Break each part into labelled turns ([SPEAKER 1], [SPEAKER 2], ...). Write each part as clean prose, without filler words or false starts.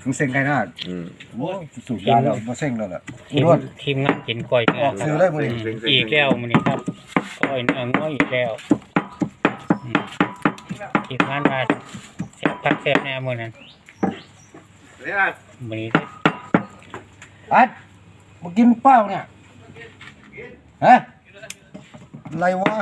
[SPEAKER 1] มันเซ็งไก่หน้าโอ้สูบยาแล้วมาเซ็งแล้วล่ะ
[SPEAKER 2] ทีมงานกินก้อย
[SPEAKER 1] ออกซื้อได้มื้อนี้
[SPEAKER 2] อีกแล้วมื้อนี้ครับก้อยง้อยอีกแล้วทีมงานมาแซ่บพักแซ่บแน่มื้อนั้นมื้อนี้
[SPEAKER 1] อัดมากินเป้าเนี่ยฮะอะไรวะ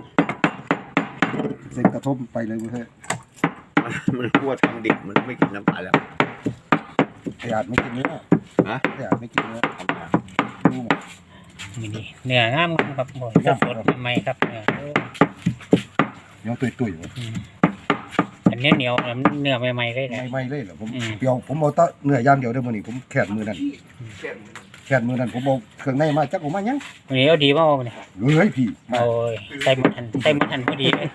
[SPEAKER 1] เซ็งกระทบไปเลยเว้ย
[SPEAKER 3] มันพูดทางดิบมันไม่กินน้ำปลาแล้ว
[SPEAKER 1] ขยาดไม่กินเนื้อ
[SPEAKER 3] ฮะ
[SPEAKER 1] ขยาดไม่กินเนื้อดูหมด
[SPEAKER 2] นี่เนื้องามครับบ่สดๆใหม่ครับ
[SPEAKER 1] ยังตุย
[SPEAKER 2] อันนี้เหนียวเนื้อใหม่ๆเลยนะ
[SPEAKER 1] ไม่เลยเหรอผมเดี๋ยวผมเอาตะเนื้อย่างเดียวได้มื้อนี้ผมแขนมือนั่นแขนมือนั่นผมเอาเครื่องในมาจักออกมายัง
[SPEAKER 2] มื้อนี้เอาดีบ่มื้อนี้
[SPEAKER 1] เฮ้ยพี่
[SPEAKER 2] โอ้ยใส่หมดทันพอดีเลย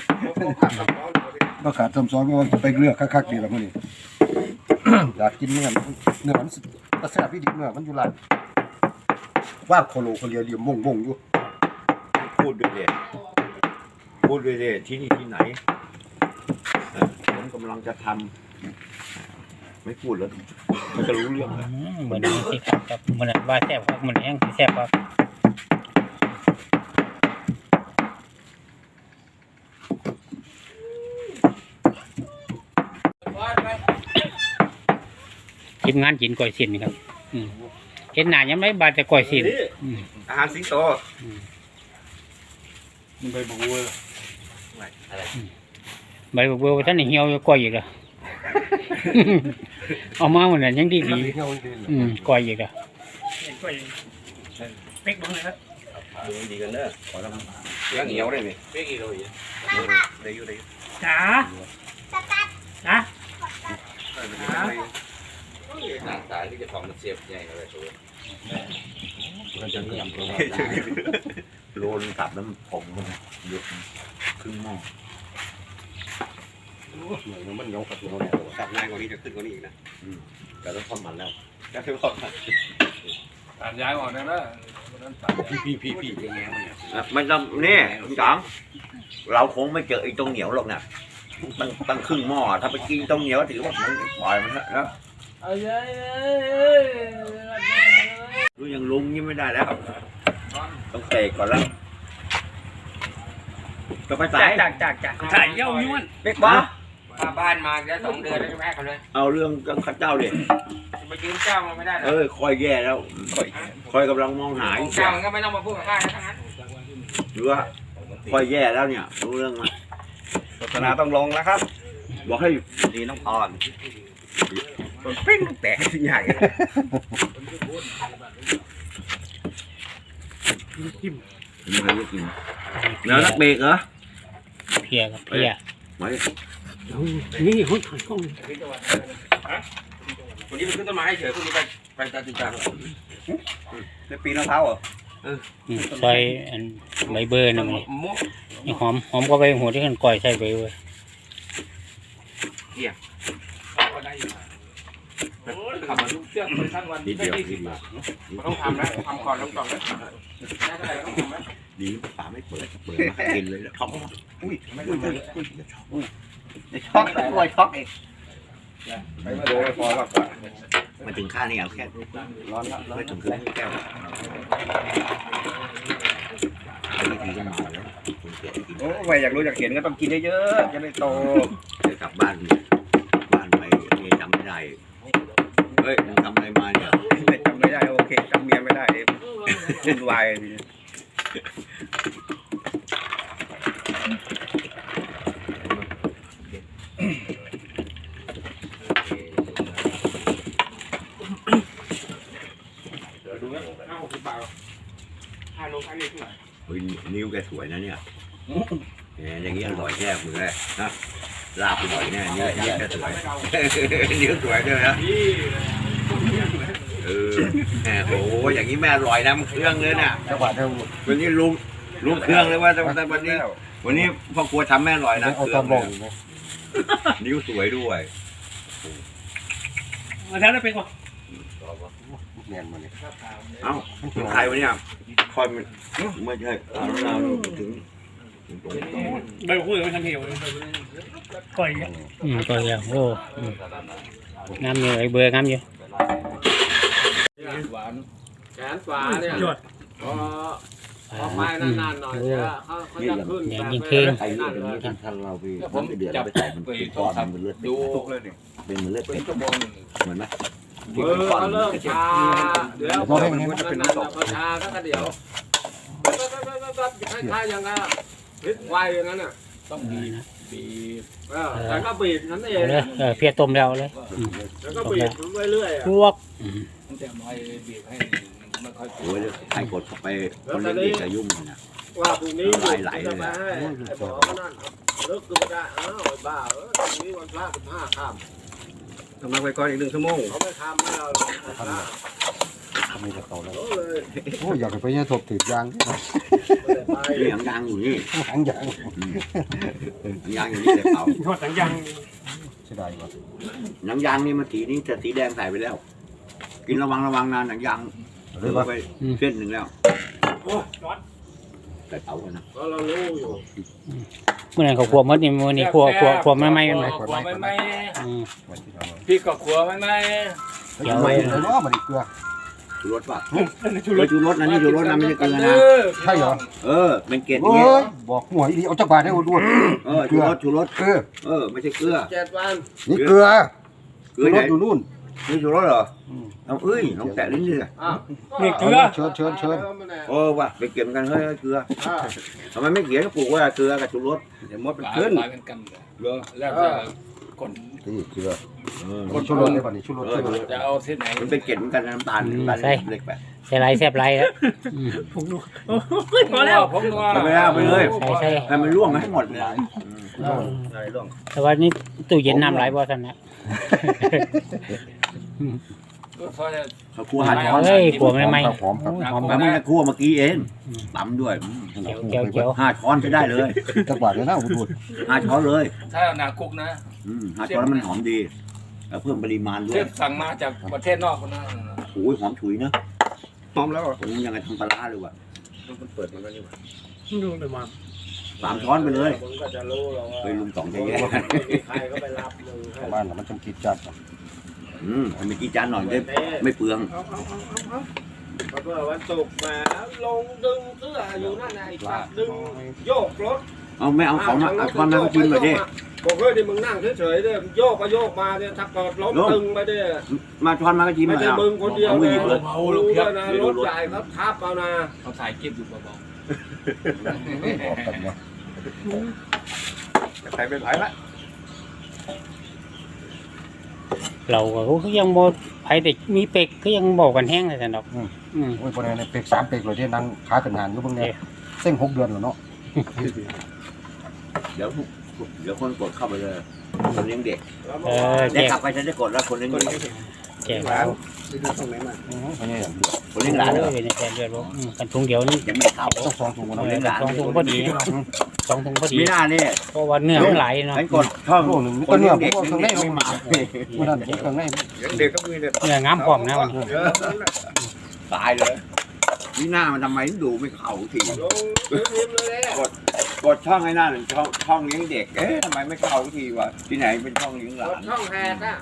[SPEAKER 1] ก็ขาดซ้อมก็ไปเลือกคักๆดีละมื้อนี้อยากกินเนื้อมันก็แซ่บพี่ดิเนื้อมันอยู่ร้านว่าโคโลเขาเรียมงอยู่
[SPEAKER 3] พูดด้วยเลยที่นี่ที่ไหนผมกำลังจะทำไม่พูดแล้วมันจะรู้เรื่อง
[SPEAKER 2] เหมือนที่ครับเหมือนว่าแซ่บครับเหมือนแห้งแซ่บครับทีมงานกินก้อยสินครับเห็นหน้ายังไม่บาดแต่ก้อยสิน
[SPEAKER 3] อาหารสิงโต
[SPEAKER 1] มันใบบัว
[SPEAKER 2] ใบบัวท่านเหี่ยวก้อยอีกแล้วเอามาเหมือนยังดีก้อยอีกแล้ว
[SPEAKER 3] เป๊กบ้างเลยครับดีกันเนอะขอทำยังเหี่ยวได้ไหมเป๊กอีกเลยได้อยู่
[SPEAKER 2] จ๋า
[SPEAKER 3] หน้าตาที่จะทำมันเสียบใหญ่อะไรตัวมันจะเหนียวโลนกับน้ำผงมันเยอะครึ่งหม้อ
[SPEAKER 1] เหนื่อยมันเหนียวกับตัวเนี่ย
[SPEAKER 3] กับง่ายกว่านี้จะขึ้นกว่านี้อีกนะแต่ต้องทอดมันแล้วก็คือทอดมัน
[SPEAKER 4] ตัดย้ายออกได้แล้ว
[SPEAKER 3] พี่อย่างเงี้ยมันจะนี่คุณจ๋องเราคงไม่เจอไอ้ตรงเหนียวหรอกนะมันตั้งครึ่งหม้อถ้าไปกินตรงเหนียวถือว่ามันปล่อยมันแล้วดูยังลุงยังไม่ได้แล้วต้องเตะก่อนแล้วก็ไปใส่
[SPEAKER 2] ใส่เย้าย้วน
[SPEAKER 3] เป๊กบ้า
[SPEAKER 4] บ้านมาแล้ว2 เดือนแล้วแม่เขาเลย
[SPEAKER 3] เอาเรื่องข้าเจ้าดิ
[SPEAKER 4] ไปยืมเจ้ามาไม่ได้
[SPEAKER 3] คอยแย่แล้วคอยกำลังมองหา
[SPEAKER 4] เจ้ามันก็ไม่ต้องมาพูดกับข้าทั้งนั้น
[SPEAKER 3] หรือว่าคอยแย่แล้วเนี่ยรู้เรื่องไหม
[SPEAKER 1] โฆษณาต้องลงแล้วครับ
[SPEAKER 3] บอกให้ดีน้องอ่อน
[SPEAKER 1] ปิ้งแตกใหญ่
[SPEAKER 3] มีใครจะกินแล้วนักเบรกเหรอ
[SPEAKER 2] เพียกับเพีย
[SPEAKER 3] ไม่
[SPEAKER 2] นี่เขาถ่ายกล้อง
[SPEAKER 4] วันนี้มันขึ้นต้นไม้เฉยพรุ่งนี้ไปตัดติดตาม
[SPEAKER 3] ในปีน้ำเท้าเหรอ
[SPEAKER 2] ใส่ใบเบอร์นะมันหอมก็ใบหัวที่ขันก่อยใส่ใบเบอร์
[SPEAKER 4] ขับมาทุกเชือกทั้งวัน
[SPEAKER 3] ดีเดียว
[SPEAKER 4] ต้องทำนะทำก่อนต้องก่อนนะ
[SPEAKER 3] ดีป่าไม่เปิดมากินเลยแล้วช็อกไม่
[SPEAKER 1] ช็อกตัวช็อกเอง
[SPEAKER 3] ไม่โดนพอมากกว่ามาถึงข้านี่เอาแค่ร้อนแล้วไม่ถึงครึ่งแก้ว
[SPEAKER 1] ไม่อยากรู้อยากเห็นก็ต้องกินเยอะๆจะได้โต
[SPEAKER 3] จะกลับบ้านไปเมียจำไม่ได้เฮ้ยมึงทำอะไรมาเนี่ย
[SPEAKER 1] จำไม่ได้โอเคจำเมียไม่ได้วุ่นวาย
[SPEAKER 3] นิ้วแกสวยนะเนี่ยอย่างนี้อร่อยแย่มือเลยนะลาบอร่อยแน่นิ้วแกสวยนิ้วสวยด้วยนะโอ้อย่างนี้แม่อร่อยนะมันเครื่องเลยเนี่ย
[SPEAKER 1] จังหวะเท่า
[SPEAKER 3] วันนี้ลุงเครื่องเลยว่าแต่วันนี้พ่อครัวทำแม่อร่อยนะ
[SPEAKER 1] เอาตำลง
[SPEAKER 3] นิ้วสวยด้วย
[SPEAKER 2] มาแล้วเป็นไง
[SPEAKER 1] เนียนมาเนี่ย
[SPEAKER 3] เอ้าใครวะเนี่ยคอยมันไม่ใช่เราถึง
[SPEAKER 2] ไปคุยกับทำเหวก่อยก่อยอย่างโอ้งามอยู่ใบเบอร์งามอยู่
[SPEAKER 4] หวานแขนขวาเนี่ยพอไปนานๆหน่อยเนี่ยเขาจะขึ้น
[SPEAKER 3] ไอ้เลือดอย่างนี้ท่านเราไปผมเดือดไปใส่มันเป็นก้อนมันเลือด
[SPEAKER 4] ดู
[SPEAKER 3] เป็นเหมือนเลือด
[SPEAKER 4] เป็
[SPEAKER 3] เป็น น
[SPEAKER 4] ชั่วโมง
[SPEAKER 3] เหมือนไหม
[SPEAKER 4] เบอร์เขาเริ่มชาเดี๋ยวพอมันนานๆเขาชาก็เดี๋ยวคล้ายๆอย่างนั้นพิษไวอย่างนั้นน่ะต้องบีบแต่ก็บีบนั่นเอง
[SPEAKER 2] เพียต้มแล้วเลย
[SPEAKER 4] แล้วก็บีบเรื่อยๆ
[SPEAKER 2] ลวก
[SPEAKER 4] มันจะไม่บีบให้ไม่ค่อย
[SPEAKER 3] โอ้ยใครกดเข้าไปคนเล่นจะยุ่งนะ
[SPEAKER 4] ว่าพรุ่งนี้จะไปให้ไอ้หมอนั่นลึกก็ไม่ได้อ้าวบ้าพรุ่งนี้วันพระเป็น5 ค่ำ
[SPEAKER 1] ทำมาไปก่อนอีก1 ชั่วโมง
[SPEAKER 4] เขาไม่ทำให้เราพระ
[SPEAKER 1] มีแต่เขาแล้ว
[SPEAKER 4] เลย
[SPEAKER 1] โอ้อยากไปเนี่ยถกถือยาง
[SPEAKER 4] ไป
[SPEAKER 3] นี่ยางอยู่นี่
[SPEAKER 1] หางยาง
[SPEAKER 3] ยางอยู่นี่แต่เผา
[SPEAKER 2] ทอดสังยัง
[SPEAKER 1] เสียดายว่ะ
[SPEAKER 3] หนังยางนี่มันสีนี้จะสีแดงใส่ไปแล้ว กินระวังนานหนังยาง
[SPEAKER 1] เลยว่า
[SPEAKER 3] ไปเส้นหนึ่งแล้วแต่เผากันนะ
[SPEAKER 4] เพราะเรารู้อยู่
[SPEAKER 2] เมื่อไหร่เขาขวบมดนี่มื้อนี้ขวบไม่ไหม
[SPEAKER 4] ขัวไม่ไหม
[SPEAKER 1] วันที่เรา
[SPEAKER 4] พี่ก็ขัวไม่ไหม
[SPEAKER 1] เดี๋ยวเลยเนาะมันเกลือ
[SPEAKER 3] ชูรสป่ะชูรสนะนี่ชูรสนะไม่ใช่เกลือนะ
[SPEAKER 1] ใช่เหรอ
[SPEAKER 3] เป็นเกล็ดอ
[SPEAKER 1] โอ้
[SPEAKER 3] ย่างเงี้ย
[SPEAKER 1] ยบอกหัวอีเอาจักบาทให้ดูด้วย
[SPEAKER 3] ชูรส
[SPEAKER 1] เกลือ
[SPEAKER 3] ไม่ใช่เกลือ
[SPEAKER 4] 7 วัน
[SPEAKER 1] นี่เกลือ
[SPEAKER 3] เกลือไหน
[SPEAKER 1] อยู่นู่น
[SPEAKER 3] นี่ชูรสเหรอเอาน้องแตะลิ้นดิ
[SPEAKER 2] นี่เกลือ
[SPEAKER 1] เชิญ
[SPEAKER 3] ว่ะไปเก็บกันเฮ้ยเกลือทำไมไม่เขียนปลูกว่าเกลือกับชูรส
[SPEAKER 1] เดี๋ยวมดมันขึ้น
[SPEAKER 4] กันแล้วจะคน
[SPEAKER 1] นี่เกลือชูรสเลยป่ะนี่ชูรส
[SPEAKER 4] จะเอาที่ไหน
[SPEAKER 3] มันเป็นเกล็ดเหมือนกันน้ำตาลเล็กไป
[SPEAKER 2] ใส่ไรแซ่บไรแล้ว
[SPEAKER 4] พอแล้วผมว่า
[SPEAKER 3] ไม่ได้ไปเลย
[SPEAKER 2] ใส่
[SPEAKER 3] ให้มันล่วงให้หมดเลย
[SPEAKER 2] แต่ว่านี่ตู้เย็นน้ำไหลบ่ทันนะ
[SPEAKER 3] เขาคั่วหั่นช้อน
[SPEAKER 2] เฮ้ยขวบไม่ไหม
[SPEAKER 1] หอมครับ
[SPEAKER 2] หอม
[SPEAKER 3] มันไม่ได้คั่วเมื่อกี้เองตำด้วย
[SPEAKER 2] เจียว
[SPEAKER 3] 5 ช้อนจะได้เลย
[SPEAKER 1] จักบาทเลยนะอุด
[SPEAKER 3] 5 ช้อนเลย
[SPEAKER 4] ถ้านาคุกนะ
[SPEAKER 3] 5 ช้อนแล้วมันหอมดีแล้วเพิ่มปริมาณด้ว
[SPEAKER 4] เช
[SPEAKER 3] ย
[SPEAKER 4] ฟสั่งมาจากประเทศนอกคนนั้น
[SPEAKER 3] โอ้ยหอมฉุยนะ
[SPEAKER 1] หอมแล้ว
[SPEAKER 3] ผมยังไงทำปลาร้าเลยว่ะ
[SPEAKER 1] มันเปิดมันก็นี่
[SPEAKER 2] ดูไปมา
[SPEAKER 3] 3 ช้อนไปเลย
[SPEAKER 4] ผมก็จะรู้แล้วว่า
[SPEAKER 3] ไปลุงสองใจแย่
[SPEAKER 4] ใครก็ไปรับเลย
[SPEAKER 1] ประมาณนั้นมันจะกินจัด
[SPEAKER 3] ให้มีกี่จานหน่อยได้ไม่เปลือง
[SPEAKER 4] เมื่อวันศุกร์มาลงดึงเสื้ออยู่นั่นไอ้ปักดึงโยกรถ
[SPEAKER 3] เอาไม่เอาของมาเอาช้อนมากินหน่อยดิ
[SPEAKER 4] บอกเฮ้ยดิมึงนั่งเฉยๆเนี่ยโยกก็โยกมาเนี่ยถ้าเกิดล้มตึงไปเนี่ย
[SPEAKER 3] มาช้อนมาก็กิน
[SPEAKER 4] ไม่
[SPEAKER 3] มา
[SPEAKER 4] ใช่
[SPEAKER 3] เอา
[SPEAKER 4] มึงคนเดียว
[SPEAKER 3] มื
[SPEAKER 4] เล
[SPEAKER 3] อย หยิบเลย
[SPEAKER 4] รู้แล้วนะรถใหญ่ครับทับเอานะ
[SPEAKER 5] เขาถ่ายคลิปอยู่เบา
[SPEAKER 1] บอกกันว่า
[SPEAKER 4] ใครเป็นไรละ
[SPEAKER 2] เราก็ยังบ่ไผแต่มีเป็กก็ยังบอกกันแห้งเลยซั่นดอก
[SPEAKER 1] โอ้ยคนนี้เป็ก3เป็กเลยที่นั่งค้ากันงานอยู่เบิ่งเนี่ยเส้น6 เดือนแล้วเนาะ
[SPEAKER 3] เดี๋ยวคนกดเข้าไปเลยคนเลี้ยงเด็ก
[SPEAKER 2] แจ
[SPEAKER 3] ได้
[SPEAKER 2] ก
[SPEAKER 3] กลับไปฉันได้กดแล้วคนเลี้ยงเด็ก
[SPEAKER 2] แจกแล้ว
[SPEAKER 1] คนนี้อย่าง
[SPEAKER 3] คนเลี้ยงหลานเหรอ
[SPEAKER 2] ในแจกเดือดบ่กันถุงเดียวนี่
[SPEAKER 3] ยังไม่เข้า
[SPEAKER 1] ต้อง2 ถุง
[SPEAKER 2] เอ
[SPEAKER 1] เนาะ
[SPEAKER 2] อ2ถุงพอดี2ถุงพอดี
[SPEAKER 3] มีหน้านี่
[SPEAKER 2] เพราะว่าเนื้อมันไหลเนาะ
[SPEAKER 3] ฉันกดช่อง
[SPEAKER 1] พวกนึง
[SPEAKER 3] ค
[SPEAKER 1] ก็
[SPEAKER 3] น
[SPEAKER 1] เนื้
[SPEAKER 3] เลี้
[SPEAKER 1] อย
[SPEAKER 3] ง
[SPEAKER 1] ผม
[SPEAKER 3] เด็ก
[SPEAKER 1] ว่าข้างในไม่มาเมื่อนั้นข้างใน
[SPEAKER 4] เด็กก็มีเด็ก
[SPEAKER 2] เนื้องามพร้อมนะมัน
[SPEAKER 3] ตายเลยมีหน้ามันทำไมดูไม่เข้าที
[SPEAKER 4] ลงทีมเลยแหละ
[SPEAKER 3] กดช่องไอ้นั่นช่องเลี้ยงเด็กทำไมไม่เข้าทีวะที่ไหนเป็นช่องเลี้ยงห
[SPEAKER 4] ก
[SPEAKER 3] ลา
[SPEAKER 4] ด
[SPEAKER 3] น
[SPEAKER 4] ช่องแฮกอ่ะ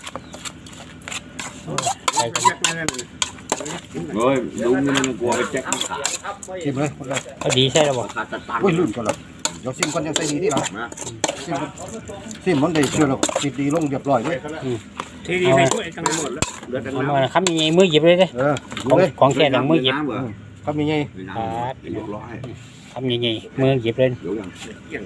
[SPEAKER 2] ใส่
[SPEAKER 3] เฮ้ยลุงนี่มันกลัวไปแจ็คขา
[SPEAKER 1] ชิมเลยคนเลย
[SPEAKER 2] พอดีใช่แล้วบ่
[SPEAKER 3] ขาดตัดตัง
[SPEAKER 1] โอ้ยลื่นกันแล้วเดี๋ยวซิมก่อนยังใส่ดีที่หลังซิมมันได้เชื่อแล้วติดดีลงเรียบร้อยเลย
[SPEAKER 5] ทีนี้ไปช่วยกันหมดแล้ว
[SPEAKER 3] เลือดกัน
[SPEAKER 2] เอา
[SPEAKER 3] น้
[SPEAKER 2] มาคำยังไงมือหยิบเลยเด้
[SPEAKER 1] อยู่เลย
[SPEAKER 2] ของแค่ดังมือหยิบ
[SPEAKER 3] ำเหรอ
[SPEAKER 1] เขามีไง
[SPEAKER 3] น้ำยกร้อย
[SPEAKER 2] คำยังไงมือหยิบเลย
[SPEAKER 3] ยกยัง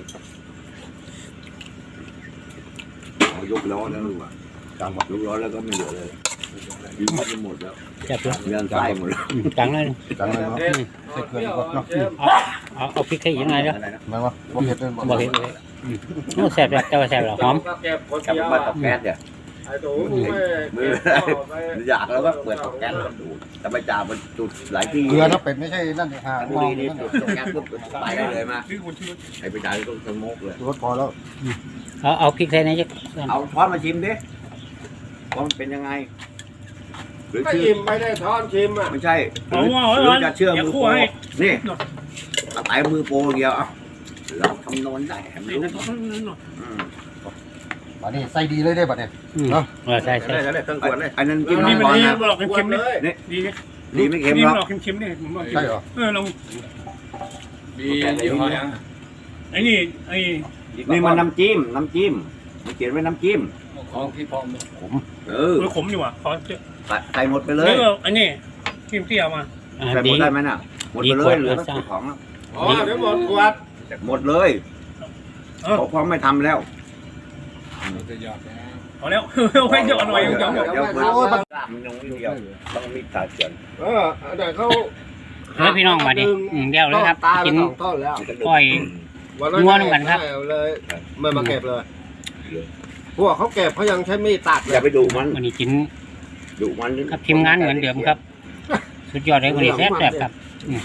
[SPEAKER 3] ยกล้อแล้วรู้ป่ะ
[SPEAKER 1] กลางวัด
[SPEAKER 3] ยกล้อแล้วก็ไม่เหลือเลยยิงมันจะหมดแล้ว
[SPEAKER 2] จับเลย
[SPEAKER 3] เรื่องใต้หมดแล้ว
[SPEAKER 2] จังเลย
[SPEAKER 1] กลางเลยเนาะใส่เกลือก่อนเนาะ
[SPEAKER 2] เอาพริกให้ยังไงเด้อ
[SPEAKER 1] มันว่าบ่เผ็ดเลย
[SPEAKER 2] บ่เห็นเลยโอ้แซ่บแล้วแต่ว่าแซ่บแล้วหอม
[SPEAKER 4] เก็บคน
[SPEAKER 3] กลับ
[SPEAKER 4] เดียว
[SPEAKER 3] มาตอกแก๊สเนี่ย
[SPEAKER 4] ไอ้ตู่มึงไม่
[SPEAKER 3] มืออยากแล้วก็เปิดตอกแก๊สแล้วดูแต่ไปจ่ามันจุดหลายที่
[SPEAKER 1] เกลือเนาะเป็ดไม่ใช่นั่นหา
[SPEAKER 3] บุรีนี่จุดตอกแก๊สปุ๊บไปได้เลยมาไอ้ไปจ่าต้องสโมกเลย
[SPEAKER 1] รสพอแล้ว
[SPEAKER 2] เอาพริกใส่ในจัก
[SPEAKER 3] เอาช้อนมาชิมดิว่ามันเป็นยังไงหรือ
[SPEAKER 4] ไม่
[SPEAKER 3] ชื่อ
[SPEAKER 4] อิ่มไม่ได้ทอนชิมอ่ะ
[SPEAKER 3] ไม่ใช่หรือจะเชื่อมือโปรนี่เอาไต่มือโปรเดียวเอาเราคำนวณได้แหมรู้
[SPEAKER 1] พบัดนี้ใส่ดีเลยได้บัดนี้
[SPEAKER 2] เนาะใช่ใช่
[SPEAKER 3] ได้เครื่องกวนเลยอันนั้นกิน
[SPEAKER 5] นี่มัน
[SPEAKER 3] ก่อน
[SPEAKER 5] ดี
[SPEAKER 3] นะ
[SPEAKER 5] มันออกเค็มๆเนี่ยดี
[SPEAKER 3] ดีไม่เค็ม
[SPEAKER 5] นี่
[SPEAKER 3] หร
[SPEAKER 5] มั
[SPEAKER 3] อน ก
[SPEAKER 5] ออกเค็มๆเนี่ยผมบอก
[SPEAKER 1] ใช่เหรอ
[SPEAKER 5] ลอง
[SPEAKER 4] บียี่ห้อยัง
[SPEAKER 5] ไอ้นี่ไอ้
[SPEAKER 3] นี่มันน้ำจิ้มมันเขียนไว้น้ำจิ้ม
[SPEAKER 4] ของที่พร้อม
[SPEAKER 3] เออ
[SPEAKER 5] ขมอยู่อ่ะขอ
[SPEAKER 3] ใส่หมดไปเลย
[SPEAKER 5] แล้วก็อันนี้ที่เที่ยวมา
[SPEAKER 3] ใส่หม
[SPEAKER 2] ดี
[SPEAKER 3] ดได้ไหมน่ะหมดไปเลยเหลือแต่ของ
[SPEAKER 4] อ๋อเดี๋ยวหมดขวด
[SPEAKER 3] หมดเลยเพราะไม่ทำแล้ว
[SPEAKER 4] จะหยอดนะ
[SPEAKER 5] เอาแล้วไม่เยอะหน่อย
[SPEAKER 3] เดี๋
[SPEAKER 5] เดี๋ยว
[SPEAKER 3] ยวมันยังไม่เดียวต้องมีตาเขียน
[SPEAKER 4] แต่เขา
[SPEAKER 2] เฮ้ยพี่น้องมาดิเดี๋ยวเลยครับ
[SPEAKER 4] ตายไป
[SPEAKER 2] กิน
[SPEAKER 4] 2 ต้นแล้ว
[SPEAKER 2] ก้อย งัวน้ำกันครับ
[SPEAKER 4] เลยไม่มาเก็บเลยพวกเขาเก็บเขายังใช้มีดตัดเล
[SPEAKER 3] อย่ายไปดุมัน
[SPEAKER 2] วันนี้กิน
[SPEAKER 3] ดุมัน
[SPEAKER 2] กับทีมงานเหมือนเดิมครับ สุดยอดเลยวันนี้แซ่บๆครับ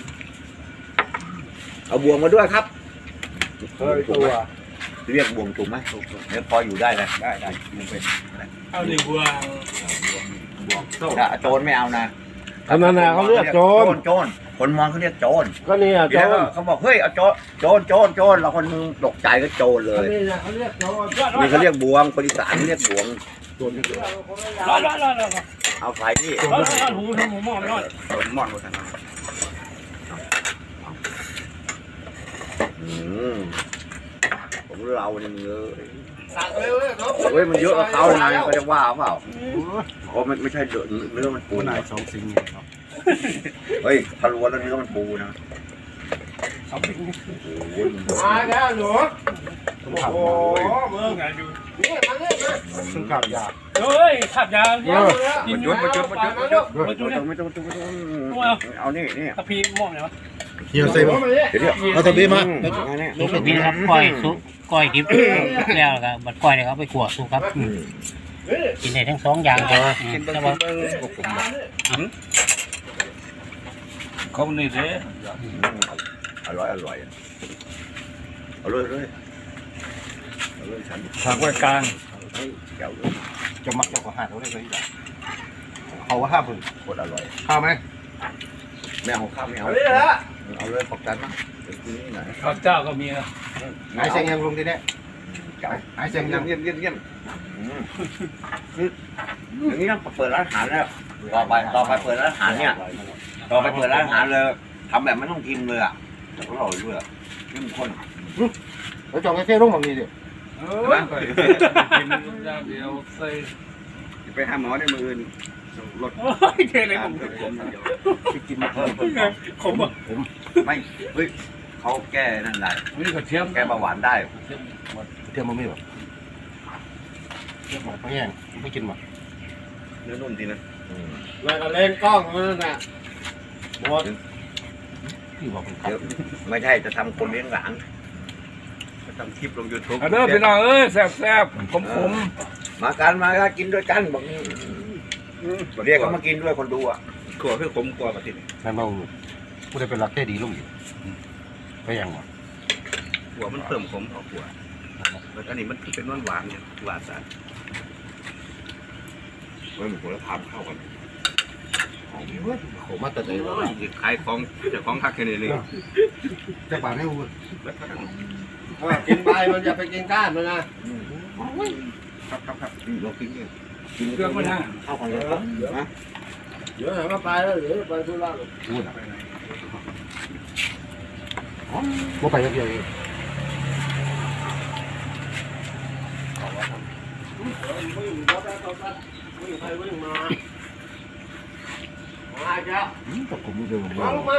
[SPEAKER 3] เอาบวงมาด้วยครับ
[SPEAKER 4] ตัว
[SPEAKER 3] เรียกบวงถูกไหมเดี๋ยวพออยู่ได้เลยได้บวงเป็น
[SPEAKER 5] เอาหนึ่งบัว
[SPEAKER 3] บวงโจรไม่เอานะ
[SPEAKER 4] อันนั้นนะเขาเรียกโจร
[SPEAKER 3] โจรคนมองเขาเรียกโจร
[SPEAKER 4] ก็นี่อ่ะโจ
[SPEAKER 3] เดี๋ยว
[SPEAKER 4] ร
[SPEAKER 3] เขาบอกเฮ้ยเอาโจรเราคนตกใจก็โจรเลย
[SPEAKER 4] นี่นะเขาเรียกโจร
[SPEAKER 3] นี่เขาเรียกบวงคนอีสานเรียกบวง
[SPEAKER 5] ร้อน
[SPEAKER 3] เอาไฟที่
[SPEAKER 5] หูทำหมูหม้อร้อน
[SPEAKER 3] มอนหมดทั้งนั้นผมเราเนี่ยเลย
[SPEAKER 4] ตัดเลยเนาะ
[SPEAKER 3] เฮ้ยมันเยอะกว่าเขาไงเขาจะว่าเปล่าเพราะมันไม่ใช่เนื้อมันปู
[SPEAKER 1] นายสองสิงห์ครับ
[SPEAKER 3] เฮ้ยทะลวนแล้วเนื้อมันปูนะโอ้โห
[SPEAKER 4] มาแล้วหนู
[SPEAKER 1] ต้องขับ
[SPEAKER 4] โอ้
[SPEAKER 1] มา
[SPEAKER 4] โหมึง
[SPEAKER 5] งานอยู่
[SPEAKER 4] นี่มาเนี่ยมา
[SPEAKER 1] ซึ่งขับยาก
[SPEAKER 5] เฮ้ยขับยา
[SPEAKER 3] มันยุดไม่ต้องเอานี่
[SPEAKER 5] ตะพีหม้อไหนวะ
[SPEAKER 1] เฮียใส่บ่
[SPEAKER 3] เดี๋ยว
[SPEAKER 1] เอาตัวนี้มา
[SPEAKER 2] นี่นะครับก้อยสุก้อยดิบแล้วก็บัดก้อยเลยครับไปขั่วสุครับกินได้ทั้งสองอย่างเลยแต่ว่า
[SPEAKER 5] เขาหนึ่งเลย
[SPEAKER 3] อร่อยเอาเลยฉัน
[SPEAKER 5] ทางไว้กลาง
[SPEAKER 3] แก้วเลย
[SPEAKER 1] จะมักจะขอหาเขาได้เลยเขาว่า5 0,000
[SPEAKER 3] โคตรอร่อย
[SPEAKER 1] ข้าวไหม
[SPEAKER 3] ไม่เอาข้าวไม่เอา
[SPEAKER 4] เอาเลยฮะ
[SPEAKER 3] เอาเลยปกติมั้งเดี๋ยวกินนี่หน่อย
[SPEAKER 5] ข้าวเจ้าก็มีนะ
[SPEAKER 1] หายเสียงยังลงทีนี้
[SPEAKER 3] เก่า
[SPEAKER 1] หายเสียงยัง
[SPEAKER 3] เยี่ยมอย่างนี้ต้องเปิดร้านอาหารแล้วต่อไปเปิดร้านอาหารเนี่ยต่อไปเปิดร้านอาหารเลยทำแบบไม่ต้องกินเลยอ่ะอร่อยด้วยเข้มข้น
[SPEAKER 1] แล้วจองแค่ลงบางนี้ดิ
[SPEAKER 5] กินอย่างเดียวใส่
[SPEAKER 3] ไปหาหมอได้มืออื่นรถ
[SPEAKER 5] โอ้ยเทเลยผม
[SPEAKER 3] ที่กินมาเพิ่ม
[SPEAKER 5] ขมอ่ะ
[SPEAKER 3] ไม่เฮ้ยเขาแก้นั่นได้
[SPEAKER 5] นี่กระเทียม
[SPEAKER 3] แก้เบาหวานได้
[SPEAKER 1] เทียมมันไม่หรอเทียมไม่แห้งไม่กินหรอ
[SPEAKER 3] เนื้อนุ่มดีนะ
[SPEAKER 4] แล้วก็เล่นกล้องนั่นน่ะหมด
[SPEAKER 1] พี่บอกเป็น
[SPEAKER 3] เดี๋ยวไม่ใช่จะทำคนเลี้ยงหลานจะทำคลิปลง YouTube
[SPEAKER 5] เด้อพี่น้องเอ้ยแซ่บๆขม
[SPEAKER 3] มากินด้วยกันบอกเรียกเขามากินด้วยคนดูอ่ะขวดเพื่อขมกว่าปกติ
[SPEAKER 1] นั่นเราผู้ใดเป็นรักแค่ดีลูกอีกไปยังวะ
[SPEAKER 3] หัวมันเพิ่มขมเอาหัวแล้วอันนี้มันเป็นหวานเนี่ยหวานสันเฮ้ยมันหัวแล้วทำเข้ากัน
[SPEAKER 1] โหมาแต่ไหน
[SPEAKER 3] ขายของจะของคักแค่นี้เลย
[SPEAKER 1] จะปาดให้อู
[SPEAKER 4] กินไปมันจะไปกินก้านมันนะครับ
[SPEAKER 3] เรากินเนี่ย
[SPEAKER 5] ๆเครื่องมันฮะ
[SPEAKER 3] เข้ากันเลยนะ
[SPEAKER 4] เดี๋ยวหามาไปแล้วเดี๋ยวไปธุระ
[SPEAKER 1] อูน่ะว่าไปเดียวเอง
[SPEAKER 4] มาจ้ะ
[SPEAKER 1] ตกกลุ่มเดียว
[SPEAKER 4] มาลงมา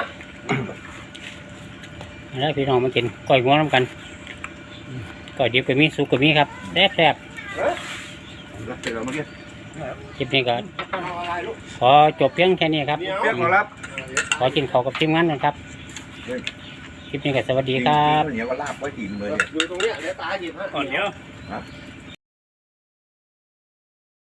[SPEAKER 2] แล้วพี่น้องมากินก้อยงัวน้ำกันก้อยดิบก็มีสุกก็มีครับแซ่บ
[SPEAKER 3] เสร็จแล้วเมื่อกี้
[SPEAKER 2] ๆคลิปนี้ก็ขอจบเพียงแค่นี้ครับ
[SPEAKER 3] เรียกมารับ
[SPEAKER 2] ขอกินข้าวกับทีมงานนะครับคลิปนี้ก็สวัสดีครับ
[SPEAKER 3] เหนียวก็ลาบไว้ถิ่มเลย
[SPEAKER 4] อยู่ตรงเนี้ยเดี๋ยวตาหยิบให้
[SPEAKER 5] ก่อนเดี๋ยว
[SPEAKER 3] นะ